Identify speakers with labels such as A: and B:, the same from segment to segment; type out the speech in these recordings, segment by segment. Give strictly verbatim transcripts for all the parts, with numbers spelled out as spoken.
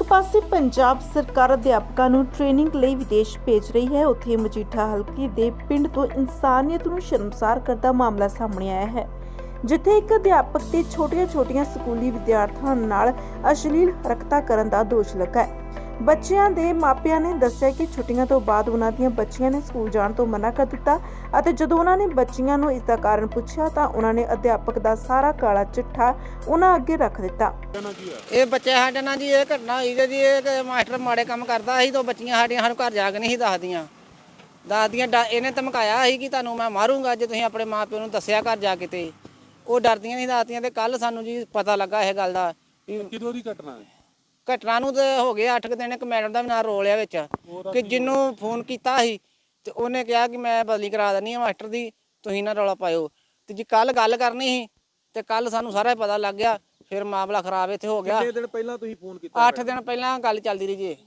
A: ਪਾਸੇ ਪੰਜਾਬ ਸਰਕਾਰ ਅਧਿਆਪਕਾਂ ਨੂੰ ਟ੍ਰੇਨਿੰਗ ਲਈ ਵਿਦੇਸ਼ ਭੇਜ ਰਹੀ ਹੈ, ਉੱਥੇ ਮਜੀਠਾ ਹਲਕੇ ਦੇ ਪਿੰਡ ਤੋਂ ਇਨਸਾਨੀਅਤ ਨੂੰ ਸ਼ਰਮਸਾਰ ਕਰਦਾ ਮਾਮਲਾ ਸਾਹਮਣੇ ਆਇਆ ਹੈ, ਜਿੱਥੇ ਇੱਕ ਅਧਿਆਪਕ ਤੇ ਛੋਟੀਆਂ-ਛੋਟੀਆਂ ਸਕੂਲੀ ਵਿਦਿਆਰਥੀਆਂ ਨਾਲ ਅਸ਼ਲੀਲ ਹਰਕਤਾਂ ਕਰਨ ਦਾ ਦੋਸ਼ ਲੱਗਾ ਹੈ। ਬੱਚਿਆਂ ਦੇ ਮਾਪਿਆਂ ਨੇ ਦੱਸਿਆ ਕਿ ਛੁੱਟੀਆਂ ਤੋਂ ਬਾਅਦ ਉਹਨਾਂ ਦੀਆਂ ਬੱਚੀਆਂ ਨੇ ਸਕੂਲ ਜਾਣ ਤੋਂ ਮਨਾ ਕਰ ਦਿੱਤਾ ਅਤੇ ਜਦੋਂ ਉਹਨਾਂ ਨੇ ਬੱਚੀਆਂ ਨੂੰ ਇਸ ਦਾ ਕਾਰਨ ਪੁੱਛਿਆ ਤਾਂ ਉਹਨਾਂ ਨੇ ਅਧਿਆਪਕ ਦਾ ਸਾਰਾ ਕਾਲਾ ਚਿੱਠਾ ਉਹਨਾਂ ਅੱਗੇ ਰੱਖ ਦਿੱਤਾ।
B: ਇਹ ਬੱਚੇ ਸਾਡੇ ਨਾਲ ਜੀ ਇਹ ਘਟਨਾ ਹੋਈ ਜੀ, ਇਹ ਮਾਸਟਰ ਮਾੜੇ ਕੰਮ ਕਰਦਾ ਸੀ ਤਾਂ ਬੱਚੀਆਂ ਸਾਡੀਆਂ ਸਾਨੂੰ ਘਰ ਜਾ ਕੇ ਨਹੀਂ ਸੀ ਦੱਸਦੀਆਂ ਦੱਸਦੀਆਂ ਇਹਨੇ ਧਮਕਾਇਆ ਸੀ ਕਿ ਤੁਹਾਨੂੰ ਮੈਂ ਮਾਰੂੰਗਾ ਜੇ ਤੁਸੀਂ ਆਪਣੇ ਮਾਪਿਆਂ ਨੂੰ ਦੱਸਿਆ ਘਰ ਜਾ ਕੇ। ਤੇ ਉਹ ਡਰਦੀਆਂ ਨਹੀਂ ਦੱਸਦੀਆਂ ਤੇ ਕੱਲ ਸਾਨੂੰ ਜੀ ਪਤਾ ਲੱਗਾ ਇਹ ਗੱਲ ਦਾ।
C: ਕਿਦੋਂ ਦੀ ਘਟਨਾ ਹੈ?
B: ਘਟਨਾ ਨੂੰ ਤੇ ਹੋ ਗਏ ਅੱਠ ਕੁ ਦਿਨ। ਇੱਕ ਮੈਡਮ ਦਾ ਵੀ ਨਾਂ ਰੋਲ ਆ ਵਿੱਚ ਕਿ ਜਿਹਨੂੰ ਫੋਨ ਕੀਤਾ ਸੀ ਤੇ ਉਹਨੇ ਕਿਹਾ ਕਿ ਮੈਂ ਬਦਲੀ ਕਰਾ ਦਿੰਦੀ ਆ ਮਾਸਟਰ ਦੀ, ਤੁਸੀਂ ਨਾ ਰੌਲਾ ਪਾਇਓ। ਤੇ ਜੀ ਕੱਲ ਗੱਲ ਕਰਨੀ ਸੀ ਤੇ ਕੱਲ ਸਾਨੂੰ ਸਾਰਾ ਪਤਾ ਲੱਗ ਗਿਆ, ਫਿਰ ਮਾਮਲਾ ਖਰਾਬ ਇੱਥੇ ਹੋ ਗਿਆ।
C: ਕਿੰਨੇ ਦਿਨ ਪਹਿਲਾਂ ਤੁਸੀਂ ਫੋਨ ਕੀਤਾ?
B: ਅੱਠ ਦਿਨ ਪਹਿਲਾਂ ਗੱਲ ਚੱਲਦੀ ਰਹੀ ਜੀ।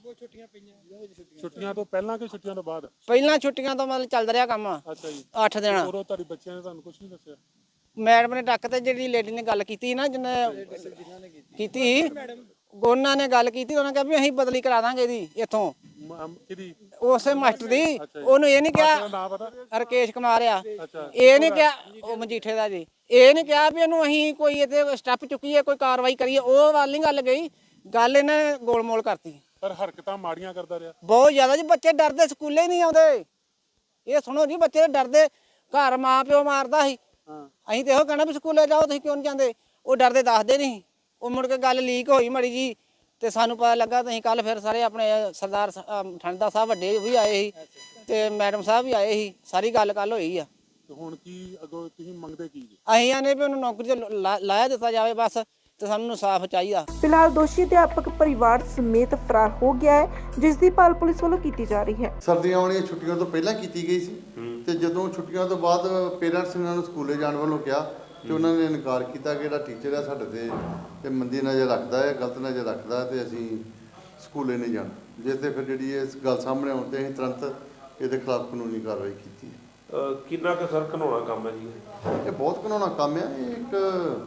C: ਛੁੱਟੀਆਂ ਤੋਂ ਪਹਿਲਾਂ ਕਿ ਛੁੱਟੀਆਂ ਤੋਂ ਬਾਅਦ?
B: ਪਹਿਲਾਂ ਛੁੱਟੀਆਂ ਤੋਂ ਮਤਲਬ ਚੱਲਦਾ ਰਿਹਾ ਕੰਮ।
C: ਅੱਛਾ ਜੀ।
B: ਅੱਠ ਦਿਨ।
C: ਉਦੋਂ ਤੁਹਾਡੇ ਬੱਚਿਆਂ ਨੇ ਤੁਹਾਨੂੰ ਕੁਝ ਨਹੀਂ ਦੱਸਿਆ?
B: ਮੈਡਮ ਨੇ ਡੱਕ ਤੇ ਜਿਹੜੀ ਲੇਡੀ ਨੇ ਗੱਲ ਕੀਤੀ ਨਾ, ਜਿਹਨੇ ਕੀਤੀ ਸੀ, ਉਹਨਾਂ ਨੇ ਗੱਲ ਕੀਤੀ, ਉਹਨਾਂ ਕਿਹਾ ਵੀ ਅਸੀਂ ਬਦਲੀ ਕਰਾ ਦਾਂਗੇ ਇਹਦੀ ਇੱਥੋਂ।
C: ਕਿਹਦੀ?
B: ਉਸੇ ਮਾਸਟਰ ਦੀ। ਉਹਨੂੰ ਇਹ ਨਹੀਂ ਕਿਹਾ ਰਕੇਸ਼ ਕੁਮਾਰ ਆ, ਇਹ ਨਹੀਂ ਕਿਹਾ ਉਹ ਮਜੀਠੇ ਦਾ ਜੀ, ਇਹ ਨਹੀਂ ਕਿਹਾ ਵੀ ਇਹਨੂੰ ਅਸੀਂ ਕੋਈ ਇਹਦੇ ਸਟੈਪ ਚੁੱਕੀਏ, ਕੋਈ ਕਾਰਵਾਈ ਕਰੀਏ। ਉਹ ਵੱਲ ਨਹੀਂ ਗੱਲ ਗਈ, ਗੱਲ ਇਹਨੇ ਗੋਲਮੋਲ ਕਰਤੀ।
C: ਪਰ ਹਰਕਤਾਂ ਮਾੜੀਆਂ ਕਰਦਾ ਰਿਹਾ
B: ਬਹੁਤ ਜ਼ਿਆਦਾ ਜੀ। ਬੱਚੇ ਡਰਦੇ, ਸਕੂਲੇ ਨਹੀਂ ਆਉਂਦੇ। ਇਹ ਸੁਣੋ ਜੀ, ਬੱਚੇ ਡਰਦੇ, ਘਰ ਮਾਂ ਪਿਓ ਮਾਰਦਾ ਸੀ। ਅਸੀਂ ਤੇ ਇਹੋ ਕਹਿਣਾ ਵੀ ਸਕੂਲੇ ਜਾਓ, ਤੁਸੀਂ ਕਿਉਂ ਨਹੀਂ ਜਾਂਦੇ? ਉਹ ਡਰਦੇ ਦੱਸਦੇ ਨਹੀਂ। ਉਹ ਮੁੜ ਕੇ ਗੱਲ ਲੀਕ ਹੋਈ ਮੜੀ ਜੀ ਤੇ ਸਾਨੂੰ ਪਤਾ ਲੱਗਾ। ਤੇ ਅਸੀਂ ਕੱਲ ਫਿਰ ਸਾਰੇ ਆਪਣੇ ਸਰਦਾਰ ਠੰਡਾ ਸਾਹਿਬ ਵੱਡੇ ਵੀ ਆਏ ਸੀ ਤੇ ਮੈਡਮ ਸਾਹਿਬ ਵੀ ਆਏ ਸੀ, ਸਾਰੀ ਗੱਲ ਕੱਲ ਹੋਈ ਆ।
C: ਤੇ ਹੁਣ ਕੀ ਅੱਗੋਂ ਤੁਸੀਂ ਮੰਗਦੇ ਕੀ ਜੀ?
B: ਅਸੀਂ ਆਨੇ ਵੀ ਉਹਨੂੰ ਨੌਕਰੀ ਤੇ ਲਾਇਆ ਦਿੱਤਾ ਜਾਵੇ ਬਸ, ਤੇ ਸਾਨੂੰ ਇਨਸਾਫ ਚਾਹੀਦਾ।
A: ਫਿਲਹਾਲ ਦੋਸ਼ੀ ਅਧਿਆਪਕ ਪਰਿਵਾਰ ਸਮੇਤ ਫਰਾਰ ਹੋ ਗਿਆ ਹੈ, ਜਿਸ ਦੀ ਭਾਲ ਪੁਲਿਸ ਵੱਲੋਂ ਕੀਤੀ ਜਾ ਰਹੀ ਹੈ।
D: ਸਰਦੀਆਂ ਵਾਲੀਆਂ ਛੁੱਟੀਆਂ ਤੋਂ ਪਹਿਲਾਂ ਕੀਤੀ ਗਈ ਸੀ ਤੇ ਜਦੋਂ ਛੁੱਟੀਆਂ ਤੋਂ ਬਾਅਦ ਪੇਰੈਂਟਸ ਨੇ ਉਹਨਾਂ ਨੂੰ ਸਕੂਲੇ ਜਾਣ ਵੱਲੋਂ ਕਿਹਾ ਤੇ ਉਹਨਾਂ ਨੇ ਇਨਕਾਰ ਕੀਤਾ ਕਿ ਜਿਹੜਾ ਟੀਚਰ ਹੈ ਸਾਡੇ ਤੇ ਤੇ ਮੰਦੀ ਨਜ਼ਰ ਰੱਖਦਾ ਹੈ, ਗਲਤ ਨਜ਼ਰ ਰੱਖਦਾ ਹੈ ਤੇ ਅਸੀਂ ਸਕੂਲੇ ਨਹੀਂ ਜਾਣਾ। ਜਿਸ ਤੇ ਫਿਰ ਜਿਹੜੀ ਇਸ ਗੱਲ ਸਾਹਮਣੇ ਆਉਣ ਤੇ ਅਸੀਂ ਤੁਰੰਤ ਇਹਦੇ ਖਿਲਾਫ ਕਾਨੂੰਨੀ ਕਾਰਵਾਈ ਕੀਤੀ।
E: ਕਿੰਨਾ ਕੁ ਸਰ ਘਿਨਾਉਣਾ ਕੰਮ ਹੈ ਜੀ
D: ਇਹ? ਬਹੁਤ ਘਿਨਾਉਣਾ ਕੰਮ ਹੈ। ਇਹ ਇੱਕ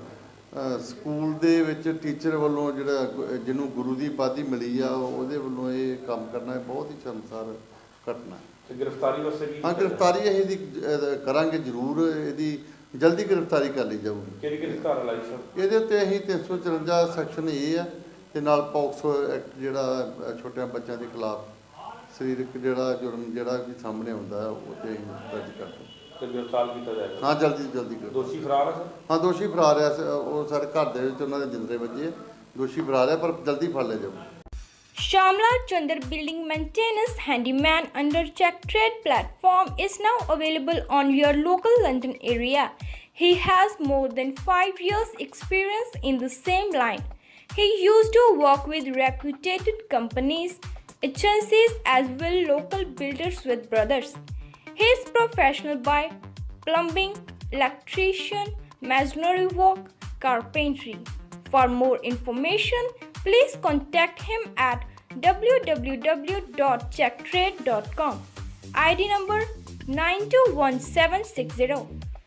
D: ਸਕੂਲ ਦੇ ਵਿੱਚ ਟੀਚਰ ਵੱਲੋਂ ਜਿਹੜਾ ਜਿਹਨੂੰ ਗੁਰੂ ਦੀ ਉਪਾਧੀ ਮਿਲੀ ਆ ਉਹਦੇ ਵੱਲੋਂ ਇਹ ਕੰਮ ਕਰਨਾ ਬਹੁਤ ਹੀ ਸ਼ਰਮਸਾਰ ਘਟਨਾ ਹੈ।
E: ਤੇ ਗ੍ਰਿਫਤਾਰੀ ਵਾਸਤੇ ਵੀ?
D: ਹਾਂ, ਗ੍ਰਿਫਤਾਰੀ ਅਸੀਂ ਇਹਦੀ ਕਰਾਂਗੇ ਜ਼ਰੂਰ। ਇਹਦੀ ਜਲਦੀ ਗ੍ਰਿਫਤਾਰੀ ਕਰ ਲਈ ਜਾਊਗੀ।
E: ਕਿਹੜੀ ਕਿਹੜੀ ਧਾਰਾ ਲਾਈ ਸਰ?
D: ਇਹਦੇ ਉੱਤੇ ਅਸੀਂ ਤਿੰਨ ਸੌ ਚੁਰੰਜਾ ਸੈਕਸ਼ਨ ਇਹ ਹੈ ਤੇ ਨਾਲ ਪੌਕਸੋ ਐਕਟ ਜਿਹੜਾ ਛੋਟਿਆਂ ਬੱਚਿਆਂ ਦੇ ਖਿਲਾਫ ਸਰੀਰਕ ਜਿਹੜਾ ਜੁਰਮ ਜਿਹੜਾ ਵੀ ਸਾਹਮਣੇ ਆਉਂਦਾ ਉਹ ਤੇ ਅਸੀਂ ਦਰਜ ਕਰਦੇ
E: ਤੇ ਗ੍ਰਿਫਤਾਰ ਕੀਤਾ ਜਾਏਗਾ?
D: ਹਾਂ, ਜਲਦੀ ਜਲਦੀ ਕਰੋ।
E: ਦੋਸ਼ੀ ਫਰਾਰ ਹੈ ਸਰ?
D: ਹਾਂ, ਦੋਸ਼ੀ ਫਰਾਰ ਹੈ। ਉਹ ਸਾਡੇ ਘਰ ਦੇ ਵਿੱਚ ਉਹਨਾਂ ਦੇ ਜਿੰਦਰੇ ਵੱਜੇ। ਦੋਸ਼ੀ ਫਰਾਰ ਹੈ ਪਰ ਜਲਦੀ ਫੜ ਲਿਆ ਜਾਊਗਾ।
F: Shamla Chandar Building Maintenance Handyman under Check Trade platform is now available on your local London area. He has more than five years experience in the same line. He used to work with reputed companies, agencies as well local builders with brothers. He is professional by plumbing, electrician, masonry work, carpentry. For more information, please contact him at w w w dot check trade dot com. I D number nine two one seven six zero.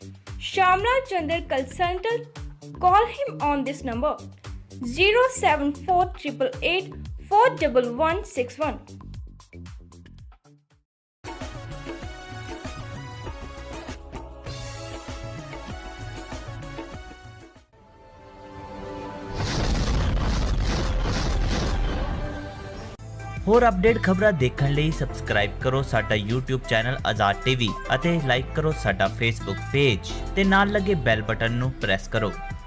F: Shamla Chandar Consultant. Call him on this number zero seven four eight eight four one one six one.
G: ਹੋਰ update ਖਬਰਾਂ ਦੇਖਣ ਲਈ subscribe ਕਰੋ ਸਾਡਾ YouTube channel Azad TV ਅਤੇ like ਕਰੋ ਸਾਡਾ Facebook page ਤੇ ਨਾਲ ਲੱਗੇ ਬੈਲ ਬਟਨ ਨੂੰ ਪ੍ਰੈਸ ਕਰੋ।